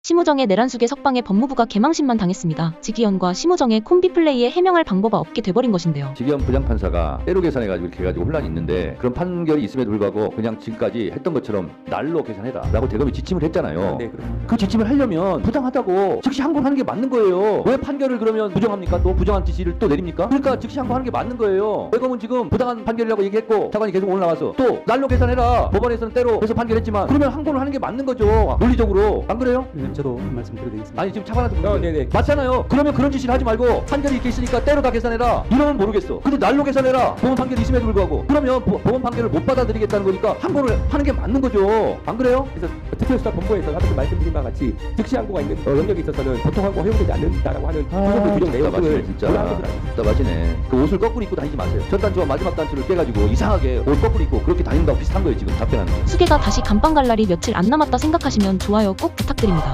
심우정의 내란 수계 석방에 법무부가 개망신만 당했습니다. 직위원과 심우정의 콤비 플레이에 해명할 방법 없게 돼버린 것인데요. 직위원 부장판사가 때로 계산해가지고 이렇게 해가지고 혼란이 있는데 그런 판결이 있음에도 불구하고 그냥 지금까지 했던 것처럼 날로 계산해라 라고 대검이 지침을 했잖아요. 네, 그렇습니다. 그 지침을 하려면 부당하다고 즉시 항고하는 게 맞는 거예요. 왜 판결을 그러면 부정합니까? 또 부정한 지시를 또 내립니까? 그러니까 즉시 항고하는 게 맞는 거예요. 대검은 지금 부당한 판결이라고 얘기했고 차관이 계속 오늘 나와서 또 날로 계산해라. 법원에서는 때로 해서 판결했지만 그러면 항고를 하는 게 맞는 거죠. 논리적으로. 안 그래요? 저도 한 말씀 드려드리겠습니다. 아니 지금 차관한테 묻는 네네. 맞잖아요. 그러면 그런 짓을 하지 말고 판결이 이렇게 있으니까 때로 다 계산해라 이러면 모르겠어. 근데 날로 계산해라 법원 판결이 있음에도 불구하고 그러면 법원 판결을 못 받아들이겠다는 거니까 항고를 하는 게 맞는 거죠. 안 그래요? 그래서 특별수사본부에서 아까 말씀드린 바와 같이 즉시 항고가 있는 영역에 있어서는 보통 항고 허용되지 않는다라고 하는 부분도 규정 내용을 진짜 올라간 것으로 알고 있습니다. 답답하시네. 그 옷을 거꾸로 입고 다니지 마세요. 첫 단추와 마지막 단추를 깨가지고 이상하게 옷 거꾸로 입고 그렇게 다닌다고 비슷한 거예요. 지금 답변하는 거. 수계가 다시 감방 갈 날이 며칠 안 남았다 생각하시면 좋아요 꼭 부탁드립니다.